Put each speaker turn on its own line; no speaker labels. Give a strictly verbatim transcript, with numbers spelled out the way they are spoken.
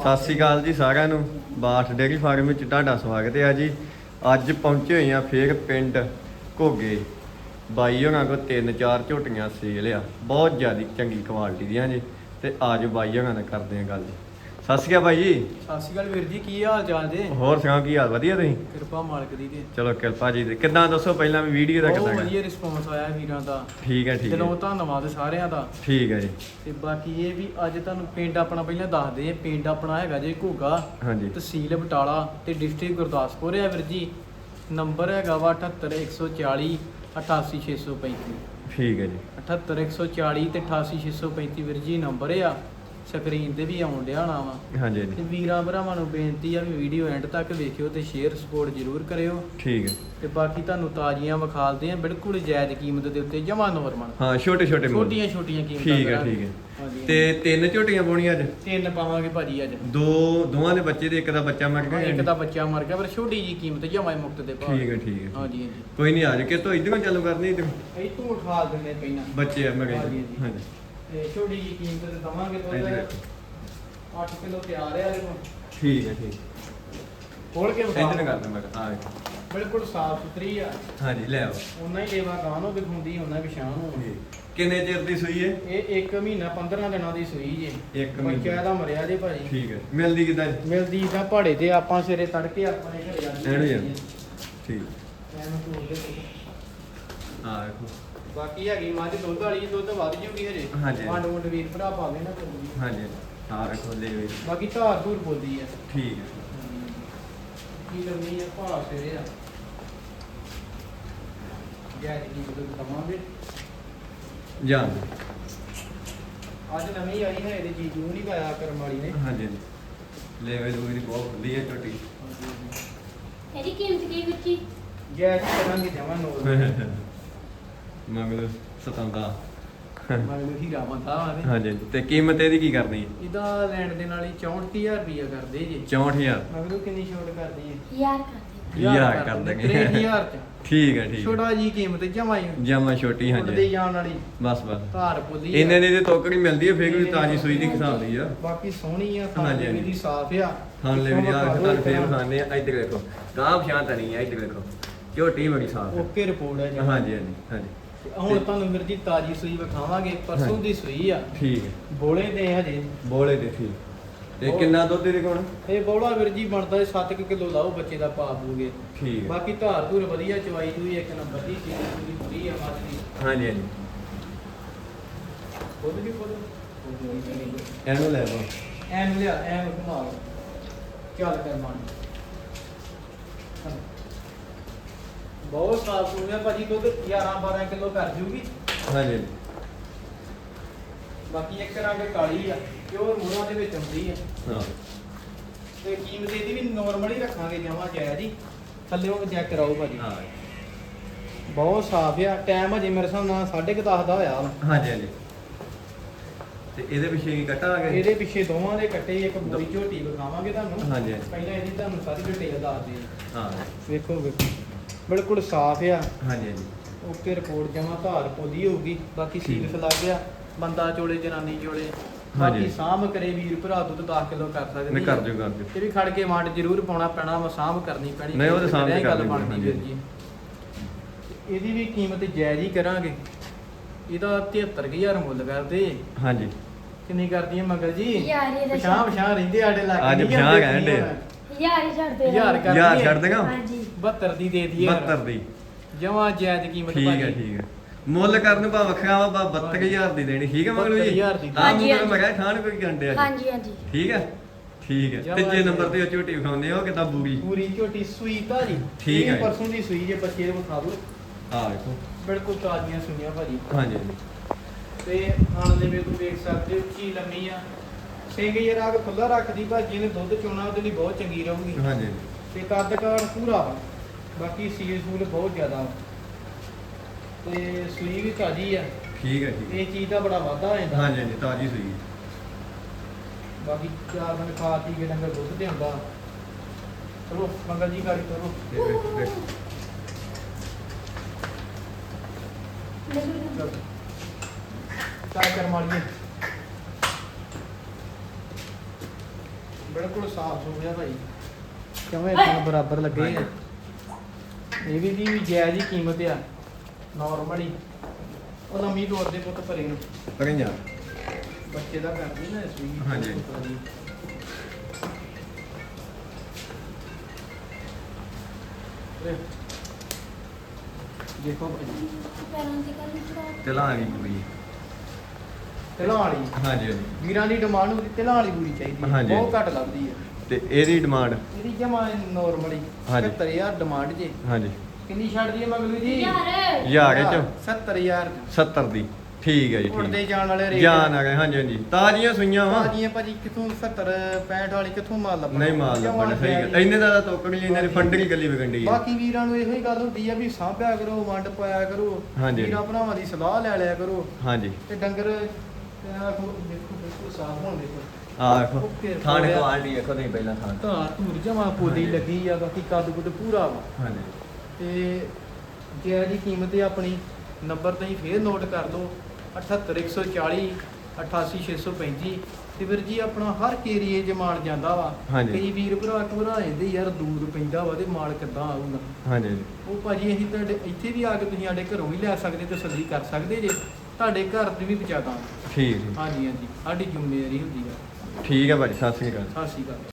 ਸਤਿ ਸ਼੍ਰੀ ਅਕਾਲ ਜੀ ਸਾਰਿਆਂ ਨੂੰ। ਬਾਠ ਡੇਅਰੀ ਫਾਰਮ ਵਿੱਚ ਤੁਹਾਡਾ ਸਵਾਗਤ ਹੈ ਜੀ। ਅੱਜ ਪਹੁੰਚੇ ਹੋਏ ਆ ਫੇਰ ਪਿੰਡ ਘੋਗੇ। ਬਾਈ ਹੋਣਾ ਕੋ ਤਿੰਨ ਚਾਰ ਝੋਟੀਆਂ ਸੇਲ ਆ, ਬਹੁਤ ਜ਼ਿਆਦਾ ਚੰਗੀ ਕੁਆਲਿਟੀ ਦੀਆਂ ਜੀ। ਤੇ ਅੱਜ ਬਾਈ ਹੋਣਾ ਨਾਲ ਕਰਦੇ ਆ ਗੱਲ। ਸਤਿ ਸ਼੍ਰੀ ਅਕਾਲ ਬਾਈ ਜੀ।
ਸਤਿ ਸ਼੍ਰੀ ਅਕਾਲ ਵੀਰ ਜੀ, ਕੀ ਹਾਲ ਚਾਲ ਜੀ?
ਹੋਰ ਸੁਣਾਓ, ਕੀ ਹਾਲ? ਵਧੀਆ ਤੁਸੀਂ?
ਕਿਰਪਾ ਮਾਲਕ ਦੀ ਤੇ
ਚਲੋ ਕਿਰਪਾ ਜੀ। ਕਿੱਦਾਂ ਦੱਸੋ ਪਹਿਲਾਂ ਵੀ ਵੀਡੀਓ ਦਾ
ਬਹੁਤ
ਕਿੱਦਾਂ ਗਾ?
ਵਧੀਆ ਰਿਸਪੌਂਸ ਆਇਆ ਵੀਰਾਂ ਦਾ।
ਠੀਕ ਹੈ ਠੀਕ
ਦਿਲੋਂ
ਹੈ
ਧੰਨਵਾਦ ਸਾਰਿਆਂ ਦਾ।
ਠੀਕ ਹੈ ਜੀ।
ਤੇ ਬਾਕੀ ਇਹ ਵੀ ਅੱਜ ਤੁਹਾਨੂੰ ਪਿੰਡ ਆਪਣਾ ਪਹਿਲਾਂ ਦੱਸਦੇ ਆ। ਪਿੰਡ ਆਪਣਾ ਹੈਗਾ ਜੀ ਘੋਗਾ,
ਹਾਂਜੀ
ਤਹਿਸੀਲ ਬਟਾਲਾ ਤੇ ਡਿਸਟ੍ਰਿਕਟ ਗੁਰਦਾਸਪੁਰ ਹੈ ਵੀਰ ਜੀ। ਨੰਬਰ ਹੈਗਾ ਵਾ ਅਠੱਤਰ ਇੱਕ ਸੌ ਚਾਲੀ ਅਠਾਸੀ ਛੇ ਸੌ ਪੈਂਤੀ।
ਠੀਕ ਹੈ ਜੀ।
ਅਠੱਤਰ ਇੱਕ ਸੌ ਚਾਲੀ ਤੇ ਅਠਾਸੀ ਛੇ ਸੌ ਪੈਂਤੀ ਵੀਰ ਜੀ ਨੰਬਰ ਆ। ਸਕਰੀਨ ਤੇ ਵੀ ਆਉਣ ਡਿਆ ਹੋਣਾ ਵਾ।
ਹਾਂਜੀ
ਤੇ
ਹਾਂਜੀ
ਵੀਰਾਂ ਭਰਾਵਾਂ ਨੂੰ ਬੇਨਤੀ ਆ ਵੀ ਵੀਡੀਓ ਐਂਡ ਤੱਕ ਵੇਖਿਓ ਤੇ ਸ਼ੇਅਰ ਸਪੋਰਟ ਜ਼ਰੂਰ ਕਰਿਓ।
ਠੀਕ ਹੈ।
ਤੇ ਬਾਕੀ ਤੁਹਾਨੂੰ ਤਾਜ਼ੀਆਂ ਵਿਖਾਲਦੇ ਆ ਬਿਲਕੁਲ ਜਾਇਜ਼ ਕੀਮਤ ਦੇ ਉੱਤੇ, ਜਮਾ ਨੋਰਮਲ,
ਹਾਂ ਛੋਟੇ ਛੋਟੇ ਮੁੱਲ।
ਛੋਟੀਆਂ ਛੋਟੀਆਂ ਕੀਮਤਾਂ
ਠੀਕ ਹੈ
ਕਰਾਂਗੇ।
ਠੀਕ ਹੈ।
ਹਾਂਜੀ,
ਤੇ ਤਿੰਨ ਝੋਟੀਆਂ ਪਾਉਣੀਆਂ ਅੱਜ?
ਤਿੰਨ ਪਾਵਾਂਗੇ ਭਾਜੀ ਅੱਜ।
ਦੋ ਦੋਵਾਂ ਦੇ ਬੱਚੇ ਤੇ ਇੱਕ ਦਾ ਬੱਚਾ ਮਰ ਗਿਆ।
ਇੱਕ ਦਾ ਬੱਚਾ ਮਰ ਗਿਆ ਪਰ ਛੋਟੀ ਜੀ ਕੀਮਤ ਜਮਾ ਹੀ ਮੁਕਤ ਦੇ ਭਾਅ।
ਠੀਕ ਹੈ ਠੀਕ ਹੈ।
ਹਾਂਜੀ ਹਾਂਜੀ।
ਕੋਈ ਨਹੀਂ, ਅੱਜ ਕੇ ਤੋਂ ਇਧਰੋਂ ਚਾਲੂ ਕਰਨੀ ਇਧਰ
ਇਹ ਤੋਂ ਉਠਾ ਦਿੰਦੇ ਪਹਿਲਾਂ
ਬੱਚੇ ਆ ਮੈਂ
ਹਾਂਜੀ,
ਕਹਿੰਦਾ।
ਹਾਂਜੀ।
ਹਾਂਜੀ
ਤੇ ਛੋਟੀ ਜੀ ਕੀਮਤ ਤੇ ਦਵਾਂਗੇ
ਇੱਧਰ
ਤੋਂ
ਦੇਖੋ।
ਅੱਠ ਕਿਲੋ ਤਿਆਰ ਆ ਦੇਖੋ।
ਠੀਕ ਹੈ ਠੀਕ।
ਖੋਲ ਕੇ ਵਿਖਾ
ਇਧਰ ਕਰਦਾ ਮੈਂ ਆ ਵੇਖੋ।
ਬਿਲਕੁਲ ਸਾਫ ਸੁਥਰੀ ਆ।
ਹਾਂਜੀ ਲੈ ਆਓ।
ਉਹਨਾਂ ਹੀ ਲੇਵਾ ਗਾਂ ਨੂੰ ਦਿਖਾਉਂਦੀ, ਉਹਨਾਂ ਵਿਸ਼ਾਨ ਨੂੰ।
ਠੀਕ। ਕਿੰਨੇ ਚਿਰ ਦੀ ਸੂਈ ਹੈ?
ਇਹ ਇੱਕ ਮਹੀਨਾ ਪੰਦਰਾਂ ਦਿਨਾਂ ਦੀ ਸੂਈ ਜੇ।
ਇੱਕ ਮਹੀਨਾ।
ਬੱਚਾ ਇਹਦਾ ਮਰਿਆ ਜੇ ਭਾਜੀ।
ਠੀਕ ਹੈ। ਮਿਲਦੀ ਕਿਦਾਂ?
ਮਿਲਦੀ ਤਾਂ ਪਹਾੜੇ ਤੇ ਆਪਾਂ ਸਵੇਰੇ ਤੜਕੇ ਆਪਣੇ ਘਰੇ ਜਾਂਦੇ
ਐਨੂੰ ਜਾਂ ਠੀਕ
ਐਨੂੰ ਤੋੜ ਦੇ ਤੁਸੀਂ।
ਆ ਵੇਖੋ।
ਬਾਕੀ ਹੈਗੀ ਮੱਝ ਦੁੱਧ ਵਾਲੀ, ਦੁੱਧ ਵੱਧ ਜੂਗੀ ਹਜੇ।
ਹਾਂਜੀ।
ਵੰਡ ਵੰਡ ਵੀਰ ਭਰਾ ਪਾਵੇ ਨਾ ਕੋਈ।
ਹਾਂਜੀ ਆ ਵੇਖੋ ਲੈ ਵੇ।
ਬਾਕੀ ਧਾਰ ਧੂਰ ਬੋਲਦੀ ਆ।
ਠੀਕ ਹੈ।
ਕੀ ਲੰਮੀ ਆ ਭਾਅ ਸਵੇਰੇ ਆ। ਜੈ ਜੀ ਦੁੱਧ ਦਵਾਂਗੇ।
ਜਾਨ
ਅੱਜ ਨਵੀਂ ਆਈ ਹੈ, ਇਹਦੇ ਜੀਜੂ ਨੂੰ ਨਹੀਂ ਪਾਇਆ ਕਰਮ ਵਾਲੀ ਨੇ।
ਹਾਂਜੀ ਹਾਂਜੀ। ਲੈ ਵੇ ਦੂਰੀ ਬਹੁਤ ਵਧੀਆ ਝੋਟੀ।
ਇਹਦੀ ਕੀਮਤ ਕੀ ਵਿੱਚੀ?
ਜੈ ਜੀ ਕਰਾਂਗੇ ਜਮਾ ਨੋਰ।
ਮਗਰ ਸਤਾਉਂਦਾ।
ਮੈਂ ਨੂੰ ਹੀਰਾ ਬੰਦਾ ਵਾ ਤੇ।
ਹਾਂਜੀ ਹਾਂਜੀ। ਤੇ ਕੀਮਤ ਇਹਦੀ ਕੀ ਕਰਨੀ ਹੈ?
ਇਹਦਾ ਲੈਣ ਦੇ ਨਾਲ ਹੀ ਚੌਂਹਠ ਹਜ਼ਾਰ ਰੁਪਇਆ ਕਰਦੇ ਜੀ।
ਚੌਂਹਠ ਹਜ਼ਾਰ।
ਮਗਰੋਂ ਕਿੰਨੀ ਛੋਟ ਕਰਦੀ ਹੈ?
ਯਾਰ ਕਰਦੇ
ਹਜ਼ਾਰ ਕਰ ਦਾਂਗੇ।
ਤਿੰਨ ਹਜ਼ਾਰ ਚ
ਠੀਕ ਹੈ ਠੀਕ ਹੈ।
ਛੋਟਾ ਜੀ ਕੀਮਤ ਜਮਾ ਹੀ
ਜਮਾ ਛੋਟੀ
ਉੱਡਦੇ
ਹਾਂਜੀ।
ਜਾਣ ਵਾਲੀ
ਬਸ ਬਸ
ਧਾਰ ਪੁੱਲੀ ਆ।
ਇੰਨੇ ਦੀ ਤੇ ਤੋਕੜੀ ਮਿਲਦੀ ਹੈ, ਫੇਰ ਵੀ ਤਾਜੀ ਸੂਈ ਦੀ ਹਿਸਾਬ ਦੀ ਆ।
ਬਾਕੀ ਸੋਹਣੀ ਆ,
ਹਾਂਜੀ,
ਖਾਣੇ
ਹਾਂਜੀ।
ਦੀ ਸਾਫ ਆ।
ਖਾਣ ਲੈ ਵੀ ਆ ਤੁਹਾਨੂੰ ਫੇਰ ਖਾਣੇ ਆ। ਇੱਧਰ ਦੇਖੋ ਗਾਂ ਸ਼ਾਂਤ ਨਹੀਂ ਆ। ਇੱਧਰ ਦੇਖੋ ਝੋਟੀ ਬੜੀ ਸਾਫ ਹੈ।
ਓਕੇ ਰਿਪੋਰਟ ਹੈ ਜੀ।
ਹਾਂਜੀ ਹਾਂਜੀ ਹਾਂਜੀ।
ਤੇ ਹੁਣ ਤੁਹਾਨੂੰ ਵੀਰ ਜੀ ਤਾਜੀ ਸੂਈ ਵਿਖਾਵਾਂਗੇ। ਪਰਸੋਂ
ਹਾਂਜੀ।
ਦੀ ਸੂਈ ਆ।
ਠੀਕ ਹੈ।
ਬੋਲੇ ਦੇ ਹਜੇ।
ਬੋਲੇ ਦੇ ਠੀਕ। ਤੇ
ਬਹੁਤ-
ਕਿੰਨਾ ਦੁੱਧ ਇਹਦੇ ਕੋਲ?
ਇਹ ਬੋਲਾ ਵੀਰ ਜੀ ਬਣਦਾ ਸੱਤ ਕਿਲੋ ਲਾਓ ਬੱਚੇ ਦਾ ਪਾ ਦੂਗੇ।
ਠੀਕ ਹੈ।
ਬਾਕੀ ਧਾਰ ਧੂਰ ਵਧੀਆ, ਚਵਾਈ ਚੂਈ ਇੱਕ ਨੰਬਰ ਦੀ ਚੀਜ਼ ਪੂਰੀ ਪੂਰੀ ਆ ਮੱਝ ਦੀ।
ਹਾਂਜੀ ਹਾਂਜੀ।
ਖੁਦ ਵੀ ਖੁਦ
ਇਹਨੂੰ ਲੈ ਲਓ।
ਐਨ ਲਿਆ ਐਨ ਘੁਮਾ ਲਓ। ਚੱਲ ਕਰ ਮਾਨ ਬਹੁਤ ਸਾਫ ਸੁਣਿਆ ਭਾਜੀ। ਦੁੱਧ ਗਿਆਰਾਂ ਬਾਰਾਂ ਕਿਲੋ ਕਰ ਜੂਗੀ।
ਹਾਂਜੀ ਹਾਂਜੀ।
ਬਾਕੀ ਇੱਕ ਰੰਗ ਕਾਲੀ ਆ, ਪਿਓਰ ਮੂਰਾਂ ਦੇ ਵਿੱਚ ਹੁੰਦੀ ਆ।
ਹਾਂ
ਤੇ ਕੀਮਤ ਇਹਦੀ ਵੀ ਨੋਰਮਲ ਹੀ ਰੱਖਾਂਗੇ ਜਮਾ ਜਾਇਜ਼ ਜੀ। ਥੱਲੇ ਉਹ ਚੈੱਕ ਕਰਾਓ ਭਾਜੀ।
ਹਾਂ
ਬਹੁਤ ਸਾਫ ਆ। ਟਾਈਮ ਹਜੇ ਮੇਰੇ ਹਿਸਾਬ ਨਾਲ ਸਾਢੇ ਕੁ ਦਸ ਦਾ ਹੋਇਆ ਵਾ।
ਹਾਂਜੀ ਹਾਂਜੀ। ਤੇ ਇਹਦੇ ਪਿੱਛੇ ਕੀ ਕੱਟਾ ਆ ਗਿਆ?
ਇਹਦੇ ਪਿੱਛੇ ਦੋਵਾਂ ਦੇ ਕੱਟੇ ਇੱਕ ਬੋਰੀ ਝੋਟੀ ਵਿਖਾਵਾਂਗੇ ਤੁਹਾਨੂੰ।
ਹਾਂਜੀ ਹਾਂਜੀ।
ਪਹਿਲਾਂ ਇਹਦੀ ਤੁਹਾਨੂੰ ਸਾਰੀ ਡਿਟੇਲ ਦੱਸ ਦੇ।
ਹਾਂ
ਵੇਖੋ ਵੇਖੋ ਬਿਲਕੁਲ ਸਾਫ ਆ।
ਹਾਂਜੀ ਹਾਂਜੀ।
ਓਕੇ ਰਿਪੋਰਟ ਜਮਾ ਧਾਰ ਪੋਲੀ ਹੋਊਗੀ। ਬਾਕੀ ਸੀਲ ਲੱਗ ਗਿਆ। ਬੰਦਾ ਚੋਲੇ ਜਨਾਨੀ ਚੋਲੇ।
ਹਾਂਜੀ।
ਬਾਕੀ ਸਾਂਭ ਕਰੇ ਵੀਰ ਭਰਾ ਦੁੱਧ ਦਸ ਕਿਲੋ ਕਰ ਸਕਦੇ
ਨਹੀਂ ਕਰ ਦਿਓ ਕਰ ਦਿਓ।
ਇਹ ਵੀ ਖੜ ਕੇ ਵੰਡ ਜ਼ਰੂਰ ਪਾਉਣਾ ਪੈਣਾ ਵਾ, ਸਾਂਭ ਕਰਨੀ ਪੈਣੀ।
ਨਹੀਂ, ਉਹ ਤਾਂ ਸਾਂਭ
ਕਰਿਆ ਹੀ
ਕਰ
ਗੱਲ
ਦਿੰਦੇ,
ਬਣਦੀ
ਹਾਂਜੀ।
ਵੀਰ ਜੀ। ਇਹਦੀ ਵੀ ਕੀਮਤ ਜਾਇਜ਼ ਹੀ ਕਰਾਂਗੇ। ਇਹਦਾ ਤਹੇਤਰ ਹਜ਼ਾਰ ਮੁੱਲ ਕਰਦੇ।
ਹਾਂਜੀ।
ਕਿੰਨੀ ਕਰਦੀ ਹੈ ਮੰਗਲ ਜੀ?
ਯਾਰ ਇਹਦਾ
ਪਛਾਂ ਪਛਾਂ ਰਹਿੰਦੇ ਆਡੇ ਲੱਗ
ਅੱਜ ਪਛਾਂ ਕਹਿਣ ਡੇ ਆ।
ਯਾਰ ਹੀ ਛੱਡ ਦੇ।
ਹਜ਼ਾਰ ਕਰ
ਯਾਰ
ਦਈਏ?
ਛੱਡ ਦੇਗਾ।
ਹਾਂਜੀ।
ਬਹੱਤਰ ਦੀ ਦੇ ਦਈਏ।
ਬਹੱਤਰ ਦੀ।
ਜਮਾ ਜਾਇਜ਼ ਕੀਮਤ
ਠੀਕ ਹੈ ਠੀਕ ਹੈ। ਮੁੱਲ ਕਰਨ ਭਾ ਵੱਖਰਾ ਵਾ, ਬਹੱਤਰ ਹਜ਼ਾਰ ਦੀ ਦੇਣੀ। ਠੀਕ ਹੈ ਮਗਲੂ ਜੀ?
ਬਹੱਤਰ ਹਜ਼ਾਰ ਦੀ।
ਆਹ
ਹਾਂਜੀ,
ਮੁੰਡਾ ਮੈਂ ਕਿਹਾ ਖਾਣ ਕੋਈ ਗੰਡੇ ਆ ਜੀ।
ਹਾਂਜੀ ਹਾਂਜੀ।
ਠੀਕ ਹੈ ਠੀਕ ਹੈ।
ਜਮਾਂ
ਤੀਜੇ
ਜੀ।
ਨੰਬਰ ਤੇ ਉਹ ਝੋਟੀ ਵਿਖਾਉਂਦੇ ਆ, ਉਹ ਕਿਦਾਂ ਬੂਰੀ।
ਪੂਰੀ ਝੋਟੀ ਸੂਈ ਭਾਜੀ।
ਠੀਕ
ਇਹ
ਹੈ।
ਪਰਸੋਂ ਦੀ ਸੂਈ ਜੇ ਬੱਚੇ ਨੂੰ ਵਿਖਾ ਦਿਓ।
ਆ ਵੇਖੋ।
ਬਿਲਕੁਲ ਤਾਜ਼ੀਆਂ ਸੂਈਆਂ ਭਾਜੀ।
ਹਾਂਜੀ ਹਾਂਜੀ।
ਤੇ ਖਾਣ ਦੇ ਵਿੱਚ ਤੁਸੀਂ ਦੇਖ ਸਕਦੇ ਹੋ ਉੱਚੀ ਲੰਮੀ ਆ। ਸਿੰਘ ਯਾਰ ਆ ਕੇ ਖੁੱਲਾ ਰੱਖਦੀ ਭਾਜੀ ਨੇ। ਦੁੱਧ ਚੋਣਾ ਉਹਦੇ ਲਈ ਬਹੁਤ ਚੰਗੀ ਰਹੂਗੀ।
ਹਾਂਜੀ
ਤੇ ਕੱਦ ਕਾਠ ਪੂਰਾ ਵਾ। ਬਾਕੀ ਸੀਲ ਸੂਲ ਬਹੁਤ ਜ਼ਿਆਦਾ ਵਾ। ਤੇ ਸੂਈ ਵੀ ਤਾਜ਼ੀ ਆ।
ਠੀਕ ਹੈ ਠੀਕ ਹੈ।
ਇਹ ਚੀਜ਼ ਦਾ ਬੜਾ ਵਾਧਾ ਹੋ ਜਾਂਦਾ।
ਹਾਂਜੀ ਹਾਂਜੀ ਤਾਜ਼ੀ ਸੂਈ।
ਬਾਕੀ ਚਾਰ ਦਿਨ ਖਾ ਪੀ ਕੇ ਡੰਗਰ ਦੁੱਧ ਤੇ ਹੁੰਦਾ। ਚਲੋ ਮੰਗਲ ਜੀ ਗਾੜੀ ਕਰੋ।
ਇਹ ਵੇਖੋ ਵੇਖੋ।
ਚਲੋ ਚਾਹ ਕਰ ਮਾਰੀਏ। ਬਿਲਕੁਲ ਸਾਫ ਹੋ ਗਿਆ ਭਾਈ ਕਿਵੇਂ ਇੱਕ ਬਰਾਬਰ ਲੱਗੇ ਆ ਇਹ ਵੀ ਦੀ ਵੀ ਜਾਇਜ਼ ਹੀ ਕੀਮਤ ਆ ਨਾਰਮਲ ਹੀ ਉਹ ਲੰਮੀ ਦੌੜ ਦੇ ਪੁੱਤ ਭਰੇ ਨੂੰ
ਕਰੀਂ ਜਾ
ਬੱਚੇ ਦਾ ਕਰਦੀ ਨਾ ਇਸ ਵੀ
ਹਾਂਜੀ।
ਦੇਖੋ ਭਾਈ
ਪੈਰਾਂ ਦੀ ਗੱਲ ਚੜਾ
ਚਲਾ ਆ ਗਈ ਕੁੜੀ
ਤਿਲਾਂ ਵਾਲੀ
ਹਾਂਜੀ ਹਾਂਜੀ
ਵੀਰਾਂ ਦੀ ਡਿਮਾਂਡ ਹੁੰਦੀ ਤਿਲਾਂ ਵਾਲੀ ਪੂਰੀ ਚਾਹੀਦੀ ਹੈ
ਹਾਂਜੀ।
ਬਹੁਤ ਘੱਟ ਲੱਭਦੀ ਹੈ
ਤੇ ਇਹਦੀ ਡਿਮਾਂਡ
ਇਹਦੀ ਜਮਾ ਨਾਰਮਲੀ
ਹਾਂਜੀ।
ਸੱਤਰ ਹਜ਼ਾਰ ਡਿਮਾਂਡ ਜੇ
ਹਾਂਜੀ
ਕਿੰਨੀ ਛੱਡਦੀ ਹੈ ਮਗਲੂ ਜੀ
ਯਾਰ
ਹਜ਼ਾਰ ਚ
ਸੱਤਰ ਹਜ਼ਾਰ
ਸੱਤਰ ਦੀ ਠੀਕ ਹੈ ਜੀ
ਉੜਦੇ
ਠੀਕ
ਜਾਣ ਵਾਲੇ ਰੇਟ
ਜਾਨ ਆ ਗਏ ਹਾਂਜੀ ਹਾਂਜੀ ਤਾਜ਼ੀਆਂ ਸੂਈਆਂ ਵਾ
ਭਾਜੀਆਂ ਭਾਜੀ ਕਿੱਥੋਂ ਸੱਤਰ ਪੈਂਹਠ ਵਾਲੀ ਕਿੱਥੋਂ ਮਾਲ ਲੱਭਣਾ
ਨਹੀਂ ਮਾਲ
ਜਮਾਂ
ਲੱਭਣਾ ਸਹੀ ਗੱਲ
ਜਾਇਜ਼।
ਇੰਨੇ ਦਾ ਤੋਕੜ ਲਈ ਇਹਨਾਂ ਦੀ ਫੰਡਰੀ ਗੱਲੀ ਵਿਕੰਡੀ ਹੈ
ਬਾਕੀ ਵੀਰਾਂ ਨੂੰ ਇਹੋ ਹੀ ਗੱਲ ਹੁੰਦੀ ਆ ਵੀ ਸਾਂਭਿਆ ਕਰੋ ਵੰਡ ਪਾਇਆ ਕਰੋ
ਹਾਂਜੀ।
ਵੀਰਾਂ ਭਰਾਵਾਂ ਦੀ ਸਲਾਹ ਲੈ ਲਿਆ ਕਰੋ
ਹਾਂਜੀ
ਤੇ ਡੰਗਰ ਤੇ ਆਹ ਦੇਖੋ ਦੇਖੋ ਬਿਲਕੁਲ ਸਾਫ਼ ਹੋਣ ਦੇਖੋ
ਆ ਦੇਖੋ
ਓਕੇ,
ਥਾਣ
ਹੋ ਗਿਆ।
ਕੁਆਲਿਟੀ ਦੇਖੋ ਤੁਸੀਂ ਪਹਿਲਾਂ ਥਾਣ
ਧਾਰ ਧੂਰ ਜਮਾ ਪੋਲੀ ਲੱਗੀ ਆ ਬਾਕੀ ਕੱਦ ਕੁੱਦ ਪੂਰਾ ਵਾ
ਹਾਂਜੀ
ਤੇ ਜੇ ਦੀ ਕੀਮਤ ਹੈ ਆਪਣੀ ਨੰਬਰ ਤੁਸੀਂ ਫੇਰ ਨੋਟ ਕਰ ਲਓ ਅਠੱਤਰ ਇੱਕ ਸੌ ਚਾਲੀ ਅਠਾਸੀ ਛੇ ਸੌ ਪੈਂਤੀ ਤੇ ਵੀਰ ਜੀ ਆਪਣਾ ਹਰ ਏਰੀਏ 'ਚ ਮਾਲ ਜਾਂਦਾ ਵਾ
ਹਾਂਜੀ।
ਕਈ ਵੀਰ ਭਰਾ ਘਬਰਾ ਜਾਂਦੇ ਯਾਰ ਦੂਰ ਪੈਂਦਾ ਵਾ ਤੇ ਮਾਲ ਕਿੱਦਾਂ ਆਊਗਾ
ਹਾਂਜੀ ਹਾਂਜੀ
ਉਹ ਭਾਜੀ ਅਸੀਂ ਤੁਹਾਡੇ ਇੱਥੇ ਵੀ ਆ ਕੇ ਤੁਸੀਂ ਸਾਡੇ ਘਰੋਂ ਵੀ ਲੈ ਸਕਦੇ ਤਸੱਲੀ ਕਰ ਸਕਦੇ ਜੇ ਤੁਹਾਡੇ ਘਰ ਦੀ ਵੀ ਪਹੁੰਚਾ ਦਾਂਗੇ
ਠੀਕ ਠੀਕ
ਹਾਂਜੀ ਹਾਂਜੀ ਸਾਡੀ ਜ਼ਿੰਮੇਵਾਰੀ ਹੁੰਦੀ ਆ
ਠੀਕ ਹੈ ਭਾਜੀ ਸਤਿ ਸ੍ਰੀ ਅਕਾਲ
ਸਤਿ ਸ਼੍ਰੀ ਅਕਾਲ